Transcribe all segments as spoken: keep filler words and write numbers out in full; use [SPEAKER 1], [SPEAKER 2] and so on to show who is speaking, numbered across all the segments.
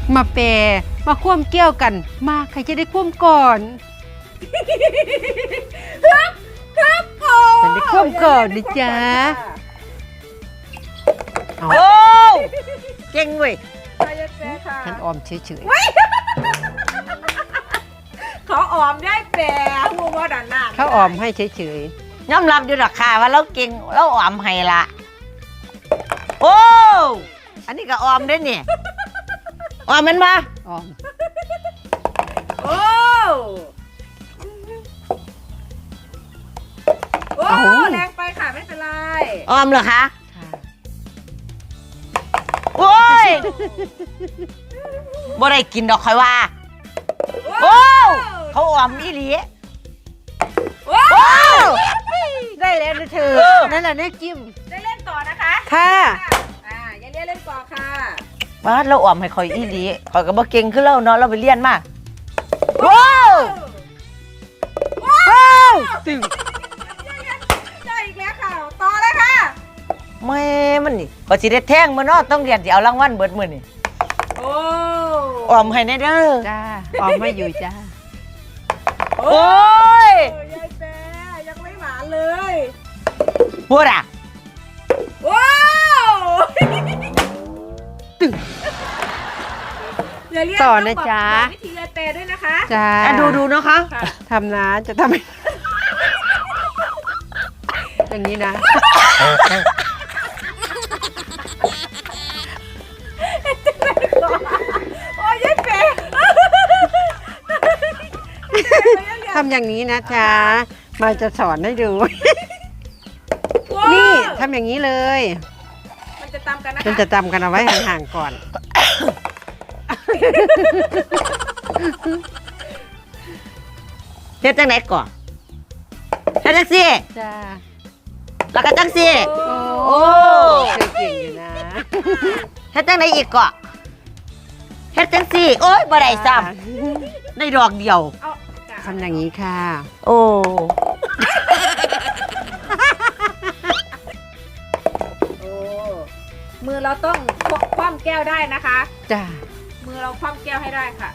[SPEAKER 1] มาแปรมาคว่ำแก้วกันมาใครจะได้คว่ำก่อน
[SPEAKER 2] ฮึบฮึบโอ้
[SPEAKER 1] ฉันได้คว่ำก่อนนะจ๊ะ
[SPEAKER 3] โอ้เก่งเว้ย
[SPEAKER 1] ฉันออมเฉย
[SPEAKER 2] ๆเขาออมได้แปรหัวบอดันหน้า
[SPEAKER 1] เขาออมให้เฉย
[SPEAKER 3] ๆยอมรับอยู่หรอกค่ะว่าเราเก่งเราออมให้ละโอ้อันนี้ก็ออมได้เนี่ยออมมันมา
[SPEAKER 1] ออม
[SPEAKER 2] โอ้โอ้แรงไปค่ะไม่เป็นไร
[SPEAKER 3] ออมเหรอคะโอ้ยบ่ได้กินดอกคอยว่าโอ้เขาออมอีหลี
[SPEAKER 2] โอ้
[SPEAKER 1] ได้แล้วนะเธอนั่นแหละเนี่ยจิ้ม
[SPEAKER 2] ได้เล่นต่อนะคะ
[SPEAKER 1] ค่ะ
[SPEAKER 2] อ่าอย่าเรียนเล่นต่อค่ะ
[SPEAKER 3] ว่าเราออมให้คอยอีหลีคอยก็บ่เก่งคือเราเนาะเราไปเรียนมาว้าว
[SPEAKER 1] ว้าวตึง
[SPEAKER 2] ได้อีกแล้วค่ะต่อเลยค่ะ
[SPEAKER 3] แม่มันนี่ก็สิได้แท่งมาเนาะต้องเรียนสิเอารางวัลเบิดมื้อนี่
[SPEAKER 2] โอ้
[SPEAKER 3] ออมให้แน่เด้อ
[SPEAKER 1] จ้าออมไม่อยู่จ้า
[SPEAKER 3] โอ้ย
[SPEAKER 2] ยายแปรยังไม่หวานเลย
[SPEAKER 3] พูดอ่ะ
[SPEAKER 2] ว้าว
[SPEAKER 1] ตึงต่อนะจ๊ะ
[SPEAKER 2] วิธียายแปรด้วยนะคะ
[SPEAKER 1] จ้า
[SPEAKER 3] ดูดูนะคะ
[SPEAKER 1] ทำนะจะทำอย่างนี้นะ
[SPEAKER 2] โอ้ยยายแปร
[SPEAKER 1] ทำอย่างนี้นะจ๊ะมาจะสอนให้ดูนี่ทำอย่างนี้เลย
[SPEAKER 2] มันจะตำกันนะคะ
[SPEAKER 1] มันจะตำกันเอาไว้ห่างๆก่อน
[SPEAKER 3] เฮ็ดจังไหนก่อนเฮ็ดจังซี่
[SPEAKER 1] จ้า
[SPEAKER 3] แล้วก็จังซี่
[SPEAKER 1] โอ้เก่งอยู่นะ
[SPEAKER 3] เฮ็ดจังไหนอีกก่อนเฮ็ดจังซี่โอ๊ยบ่ได้ซ้ำในดอกเดียว
[SPEAKER 1] ทำอย่างนี้ค่ะ
[SPEAKER 3] โอ้
[SPEAKER 2] มือเราต้องคว่ำแก้วได้นะคะ
[SPEAKER 1] จ้า
[SPEAKER 2] มือเราคว่ำแก้วให้ได้ค่ะ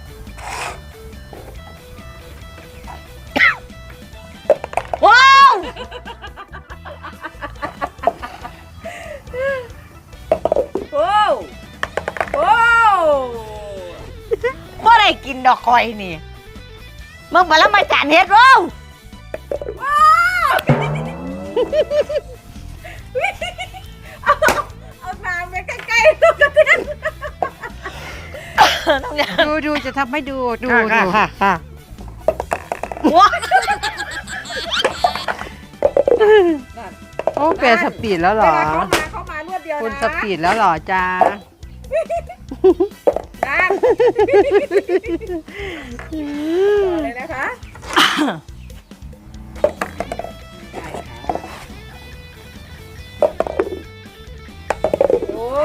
[SPEAKER 3] ว้าว
[SPEAKER 2] โอ้โอ้
[SPEAKER 3] บ่ได้กินดอกคอยนี่มึงมาแล้วมาจานเฮ็ดว้าว
[SPEAKER 2] เอาน้ำไปใกล้ๆตัวกระเทียม
[SPEAKER 1] ดูดูจะทำให้ดูดูดูค่ะค่ะ
[SPEAKER 3] ว้า
[SPEAKER 1] โอ้เปลี่ยนสปีดแล้วหรอ
[SPEAKER 2] เข้ามาเข้ามารวดเดียวนะ
[SPEAKER 1] คุณสปีดแล้วหรอจ้า
[SPEAKER 2] เลยนะคะโอ้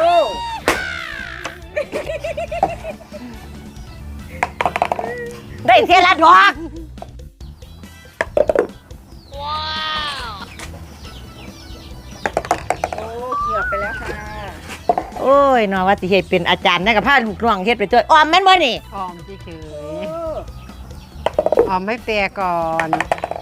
[SPEAKER 3] ได้เทละดอก
[SPEAKER 2] ว้าวโอ้เกี่ยวไปแล้วค่ะ
[SPEAKER 3] โอ้ยเนาะว่าสิเฮ็ดเป็นอาจารย์นะกับพาลูกน้องเฮ็ดไปตัวออมแม่นบ่นี่
[SPEAKER 1] ออมเฉยๆออมไม่แปรก่อน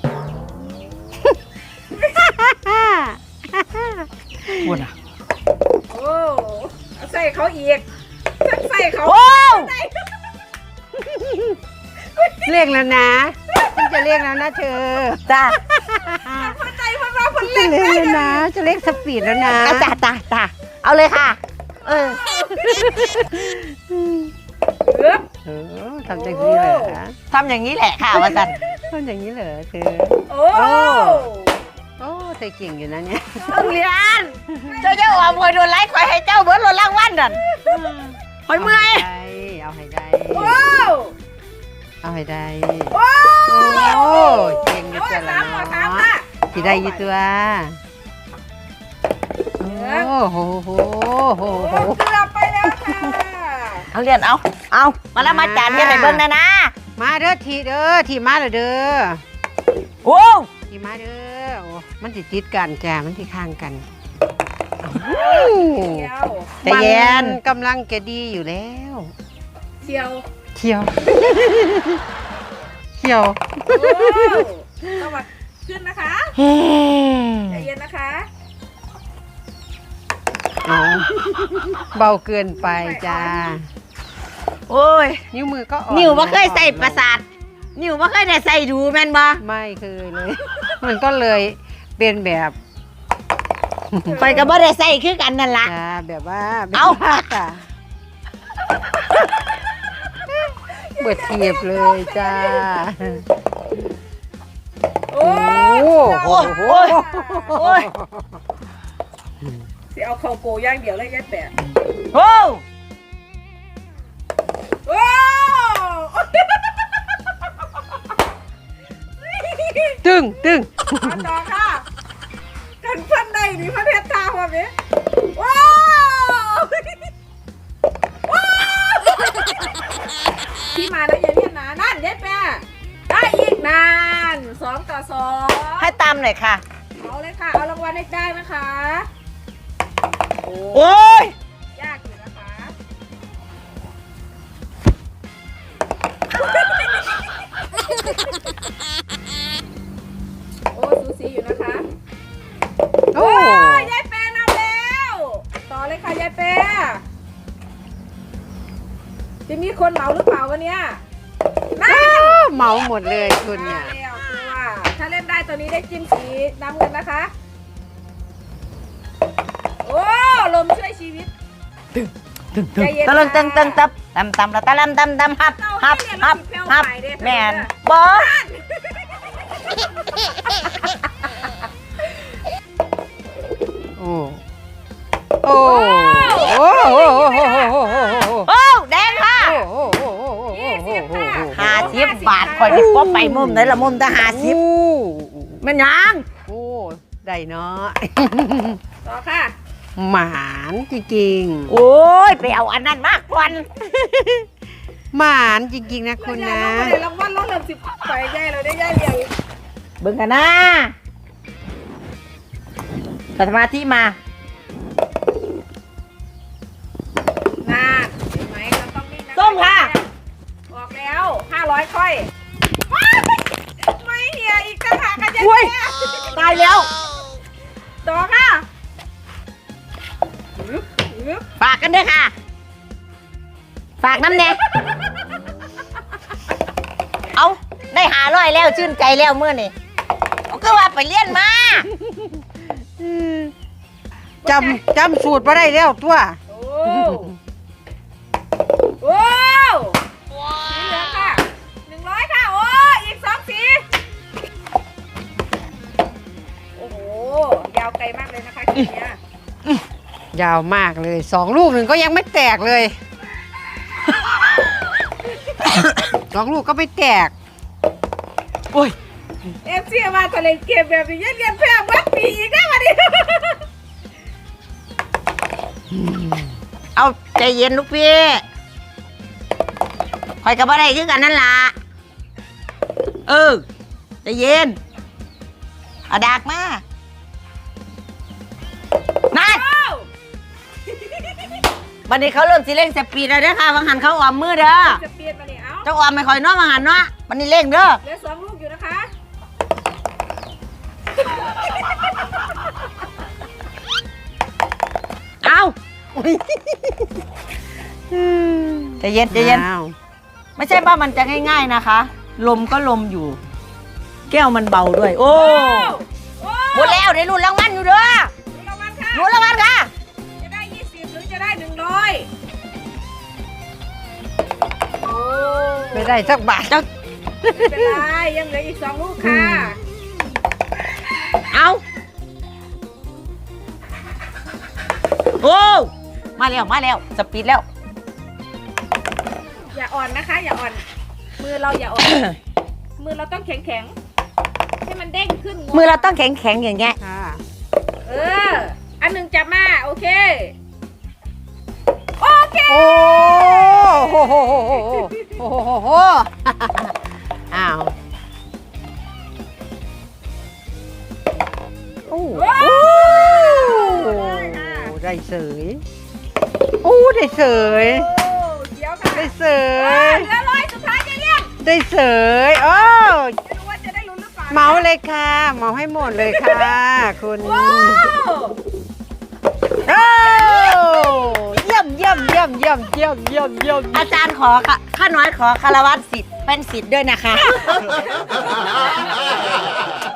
[SPEAKER 3] พูดอ่ะ
[SPEAKER 2] โอ้ใส่เขาอีกใส่เขา
[SPEAKER 1] เรียกแล้วนะฉันจะเรียกแล้วนะเธอ
[SPEAKER 3] จ้า
[SPEAKER 2] พอใจพอมาพอใจ
[SPEAKER 1] เรียกแล้วนะจะเรียกสปีดแล้วนะ
[SPEAKER 3] จ้าจ้าจ้าเอาเลยค่ะเออ
[SPEAKER 1] เออทำอย่างนี้เหรอ
[SPEAKER 3] ทำอย่างนี้แหละค่ะว่าสัน
[SPEAKER 1] ทำอย่างนี้เหรอเธอ
[SPEAKER 2] โอ้
[SPEAKER 1] โอ้เธอเก่งอยู่นะเนี่ย
[SPEAKER 3] ต้องเรียนเจ้าเจ้าออมคอยโดนไล่คอยให้เจ้าเบิร์ดรถล่างวันนั่นคอยเมื่อย
[SPEAKER 1] เอาให้ได้เอาให้ได้
[SPEAKER 2] โอ้
[SPEAKER 1] เก่งอยู่ตัวละที่ได้อยู่ตัวโอ้โหโหโหโห
[SPEAKER 2] เกือบไปแล้วค่ะ
[SPEAKER 3] เอาเรียนเอาเอามาแล้วมาจานเฮ็ดให้เบิ่งนะนะ
[SPEAKER 1] มาเด้อทีเด้อทีมาเด้อเด้อ
[SPEAKER 3] โอ้
[SPEAKER 1] ทีมาเด้อโอ้มันติดติดกันจ้ามันติดข้างกัน
[SPEAKER 3] แต่เย็น
[SPEAKER 1] กำลังแกดีอยู่แล้ว
[SPEAKER 2] เชียว
[SPEAKER 1] เขียว เขียว
[SPEAKER 2] โอ้ต้องมาขึ้นนะคะใจเย็นนะคะ
[SPEAKER 1] เอาเบาเกินไปจ้า
[SPEAKER 3] โอ้ย
[SPEAKER 1] นิ้วมือก็อ่อน
[SPEAKER 3] นิ้วบ่เคยใส่ประสาทนิ้วบ่เคยได้ใส่ดูแม่นบ่
[SPEAKER 1] ไม่เคยเลย มันก็เลยเป็นแบบ
[SPEAKER 3] ข่อยก็บ่ได้ใส่คือกันนั่นล่ะ
[SPEAKER 1] จ้าแบบว่า
[SPEAKER 3] เอ้า
[SPEAKER 1] แบบว่จ้ะเบิดเทียบเลยจ้า
[SPEAKER 2] โอ้
[SPEAKER 1] โอ้โห
[SPEAKER 3] โอ้ยโอ้ย
[SPEAKER 2] สิเอาเข่าโกย่างเดียวเลยยัดแปะ
[SPEAKER 3] โอ้
[SPEAKER 2] โอ้
[SPEAKER 1] ตึ้งตึ้ง
[SPEAKER 2] มาต่อค่ะกันพันใดนี่พันเพชรตาความนี้ว้าว ที่มาแล้วอย่าเรียกนะนั่นยัดแปะได้อีกนานสองต่อสอง
[SPEAKER 3] ให้ตามหน่อยค่ะ
[SPEAKER 2] เอาเลยค่ะ เอารางวัลให้ได้นะคะ โอ้
[SPEAKER 3] โอ้ย
[SPEAKER 2] ยากอยู่นะคะ โอ้สูสีอยู่นะคะ
[SPEAKER 1] โอ้
[SPEAKER 2] โอ้ยยายแปรนำแล้ว ต่อเลยค่ะยายแปรจะมีคนเหมาหรือเปล่าวันเนี้ยน่า
[SPEAKER 1] เมาหมดเลยคุณเนี่ย
[SPEAKER 2] แล้วตัวถ้าเล่นได้ตัวนี้ได้จิ้มสีน้ำเงินนะคะ โอ้ลมช่วยชีวิตใจเย็น
[SPEAKER 3] ตะลึงตึงตึงตับตำตำละตะลำตำตำฮับฮับฮับฮับแม่นบ่
[SPEAKER 1] โอ้โอ้โอ้โอ้โอ้โอ้โอ้โอ้
[SPEAKER 3] โอ้แดงค่ะ
[SPEAKER 1] โอ้โอ้โอ้โอ้
[SPEAKER 2] ยี่สิบค่ะ
[SPEAKER 3] ห้าสิบบาทข่อยสิบ่ไปมุมไหนละมุมแต่ห้าสิบแม่นหยัง
[SPEAKER 1] โอ้ได้เนาะ
[SPEAKER 2] ต่อค่ะ
[SPEAKER 1] หมานจริง
[SPEAKER 3] โอ้ยไปเอาอันนั้นมากกว่า
[SPEAKER 1] ๆหมานจริงๆนะคุณนะ
[SPEAKER 2] เราได้รางวัลลดเริ่มสิบไปย่ายเราได้ย่ายเรียง
[SPEAKER 3] เบิ่งกันนะสมาธิมา
[SPEAKER 2] นานเห็นไหมเราต้องนิ่งนะ
[SPEAKER 3] ส้มค่ะ
[SPEAKER 2] ออกแล้วห้าร้อยค่อยว้ายไม่เหียอีกต่างหากกันยัง
[SPEAKER 3] อุ้ย
[SPEAKER 2] ไง
[SPEAKER 3] ตายแล้ว
[SPEAKER 2] ต่อค่ะอึ๊บอึ๊บ
[SPEAKER 3] ฝากกันด้วยค่ะ ฝากน้ำแน่เอาได้หาร้อยแล้วชื่นใจแล้วเมื่อนี่เอาก็ว่าไปเรียนมา
[SPEAKER 1] จำจำสูตรมาได้แล้วตัว
[SPEAKER 2] โอ้โอ้สีเหลืองค่ะหนึ่งร้อยค่ะ โอ้อีกสองสีโอ้โห ยาวไกลมากเลยนะคะทีเนี้ย
[SPEAKER 1] ยาวมากเลยสองลูกหนึ่งก็ยังไม่แตกเลย สองลูกก็ไม่แตก โอ้ย
[SPEAKER 2] เอฟซีมาทะเลเกมแบบนี้เรียนแพ้เมื่อปีอีกได้มาดิ
[SPEAKER 3] เอาใจเย็นลูกพี่คอยกับอะไรคือกันนั่นล่ะเออใจเย็นเอาดากมานั่นวันนี้เขาเริ่มสิเร่งสปีดแล้วเด้อค่ะวังหันเขาออมมือเด้อ
[SPEAKER 2] จะเปลี่ยนมาเนี่ยเอ้า
[SPEAKER 3] เจ้าออมไม่คอยเน้อวังหันเนาะวันนี้เร่งเด้อ
[SPEAKER 2] เหลือสองลูกอยู่นะคะ
[SPEAKER 3] เอาใจเย็นใจเย็น
[SPEAKER 1] อ้าว
[SPEAKER 3] ไม่ใช่ว่ามันจะง่ายๆนะคะ ลมก็ลมอยู่ แก้วมันเบาด้วย โอ้
[SPEAKER 2] โอ้
[SPEAKER 3] หมดแล้วได้รุ่นรางวัลอยู่เด้อ
[SPEAKER 2] ดูรางวัลค่ะ
[SPEAKER 3] รุ่นรางวัลค่ะ
[SPEAKER 2] จะได้ยี่สิบหรือจะได้หนึ่งร้อยโอ้
[SPEAKER 1] ไม่ได้สักบาท
[SPEAKER 3] เจ้า
[SPEAKER 2] ไม่เป็นไรยังเหลืออีกสองลูกค่ะ
[SPEAKER 3] เอาโอ้มาแล้วมาแล้วสปีดแล้ว
[SPEAKER 2] อย่าอ่อนนะคะ อย่าอ่อน มือเราอย่าอ่อน มือเราต้องแข็งแข็งๆให้มันเด้งขึ้นง
[SPEAKER 3] มือเราต้องแข็งแข็งๆอย่างเงี้ย
[SPEAKER 1] ค่ะ
[SPEAKER 2] เออ อันหนึ่งจับมาโอเค โอเค
[SPEAKER 1] โอ้โหโหโหโหโหโหโหโหอ้าวโอ้
[SPEAKER 2] ว้าว
[SPEAKER 1] โอ้
[SPEAKER 2] ได้ค่ะ
[SPEAKER 1] ได้เสยโอ้ได้เสย
[SPEAKER 2] โอ้เดี๋ยวค่ะ
[SPEAKER 1] ได้เเส
[SPEAKER 2] เอย อเหลือร้อยสุดท้ายจะเรียก
[SPEAKER 1] ได้เสยโอ้
[SPEAKER 2] ไม่รู้ว่าจะได้ลุ้นหรือเปล่า
[SPEAKER 1] เมาเลยค่ะเมาให้หมดเลยค่ะคุณ
[SPEAKER 2] ว้าว
[SPEAKER 1] โอ้เยี่ยมเยี่ยมเยี่ยมเยี่ยมเยี่ยมเยี่ยมเยี่ยม
[SPEAKER 3] อาจารย์ขอค่ะข้าน้อยขอคารวะสิทธิ์เป็นสิทธิ์ด้วยนะคะ